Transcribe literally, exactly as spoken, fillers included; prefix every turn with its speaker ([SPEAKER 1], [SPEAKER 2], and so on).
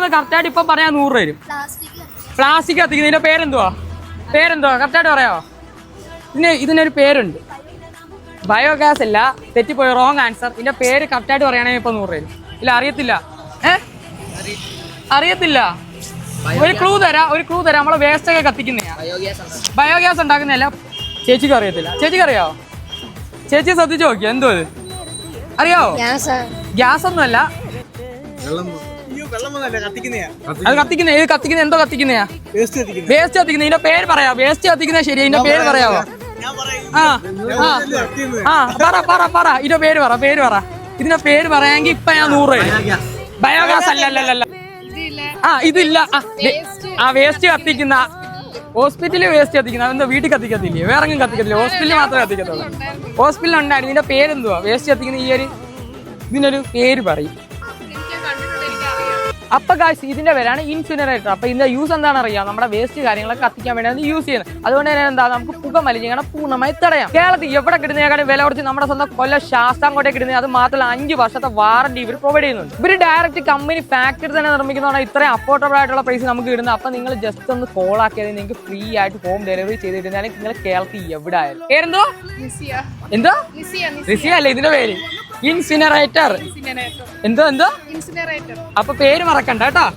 [SPEAKER 1] കറക്റ്റായിട്ട് ഇപ്പൊ പറയാൻ നൂറ് രൂപ വരും. പ്ലാസ്റ്റിക് കത്തിക്കുന്നതിന്റെ പേരെന്തുവാ? പേരെന്തുവാ കറക്റ്റായിട്ട് പറയാമോ? ഇതിന് ഇതിനൊരു പേരുണ്ട്. ബയോഗ്യാസ് അല്ല, തെറ്റിപ്പോയി, റോങ് ആൻസർ. ഇതിന്റെ പേര് കറക്റ്റായിട്ട് പറയുകയാണെങ്കിൽ ഇപ്പൊ നൂറ് രൂപ. ഇല്ല അറിയത്തില്ല. ഏ അറിയത്തില്ല. ഒരു ക്ലൂ തരാം, ഒരു ക്ലൂ തരാം. നമ്മളെ വേസ്റ്റ് ഒക്കെ കത്തിക്കുന്നയാ. ബയോഗ്യാസ് ഉണ്ടാക്കുന്നതല്ല. ചേച്ചിക്ക് അറിയത്തില്ല. ചേച്ചിക്ക് അറിയാവോ? ചേച്ചി ശ്രദ്ധിച്ചു നോക്കിയോ എന്തോ ഇത് അറിയാവോ? ഗ്യാസ് ഒന്നുമല്ല. അത് കത്തിക്കുന്ന ഇത് കത്തിക്കുന്ന എന്തോ കത്തിക്കുന്നയാ? വേസ്റ്റ് കത്തിക്കുന്ന. ഇതിന്റെ പേര് പറയാ. വേസ്റ്റ് കത്തിക്കുന്ന ശരി. ഇതിന്റെ പേര് പറയാവോ? ആ ആ പറ പറ പറ ഇതിന്റെ പേര് പറ. പേര് പറ. ഇതിന്റെ പേര് പറയാമെങ്കിൽ ഇപ്പൊ ഞാൻ നൂറ് രൂപ. ബയോഗ്യാസ് അല്ല അല്ല അല്ല. ആ ഇതില്ല. ആ വേസ്റ്റ് കത്തിക്കുന്ന ഹോസ്പിറ്റലിൽ വേസ്റ്റ് കത്തിക്കുന്ന. അതെന്തോ വീട്ടിൽ കത്തിക്കത്തില്ലേ? വേറെങ്കിലും കത്തിക്കത്തില്ല. ഹോസ്പിറ്റലിൽ മാത്രമേ കത്തിക്കത്തുള്ളൂ. ഹോസ്പിറ്റലിൽ ഉണ്ടായിരുന്നു. ഇതിന്റെ പേരെന്തുവാ? വേസ്റ്റ് കത്തിക്കുന്ന ഈ ഒരു ഇതിനൊരു പേര് പറയും. അപ്പൊ ഗായ്സ് ഇതിന്റെ പേരാണ് ഇൻസിനറേറ്റർ. അപ്പൊ ഇതിന്റെ യൂസ് എന്താണെന്ന് അറിയാം. നമ്മുടെ വേസ്റ്റ് കാര്യങ്ങളൊക്കെ കത്തിക്കാൻ വേണ്ടിയാണ് യൂസ് ചെയ്യുന്നത്. അതുകൊണ്ട് തന്നെ എന്താ നമുക്ക് പുക മലിനീകരണം പൂർണ്ണമായി തടയാം. കേരളത്തിൽ എവിടെ കിട്ടുന്നതിനേക്കാളും വില കുറച്ച് നമ്മുടെ സ്വന്തം കൊല്ലം ശാസ്താംകോട്ടയിൽ കിട്ടുന്നത്. അത് മാത്രമല്ല അഞ്ച് വർഷത്തെ വാറണ്ടി ഇവർ പ്രൊവൈഡ് ചെയ്യുന്നുണ്ട്. ഇവർ ഡയറക്റ്റ് കമ്പനി ഫാക്ടറി തന്നെ നിർമ്മിക്കുന്നതാണ് ഇത്രയും അഫോർഡബിൾ ആയിട്ടുള്ള പ്രൈസ് നമുക്ക് കിട്ടുന്നത്. അപ്പൊ നിങ്ങൾ ജസ്റ്റ് ഒന്ന് കോൾ ആക്കിയാൽ നിങ്ങൾക്ക് ഫ്രീ ആയിട്ട് ഹോം ഡെലിവറി ചെയ്തിട്ടുണ്ടെങ്കിൽ നിങ്ങൾ കേരളത്തിൽ എവിടെ ആയാലും. പേരെന്തോ? എന്തോ? റിസിയ അല്ലേ ഇതിന്റെ പേര്? ഇൻസിനറേറ്റർ. എന്തോ എന്തോ? അപ്പൊ പേര് മറക്കണ്ട കേട്ടോ.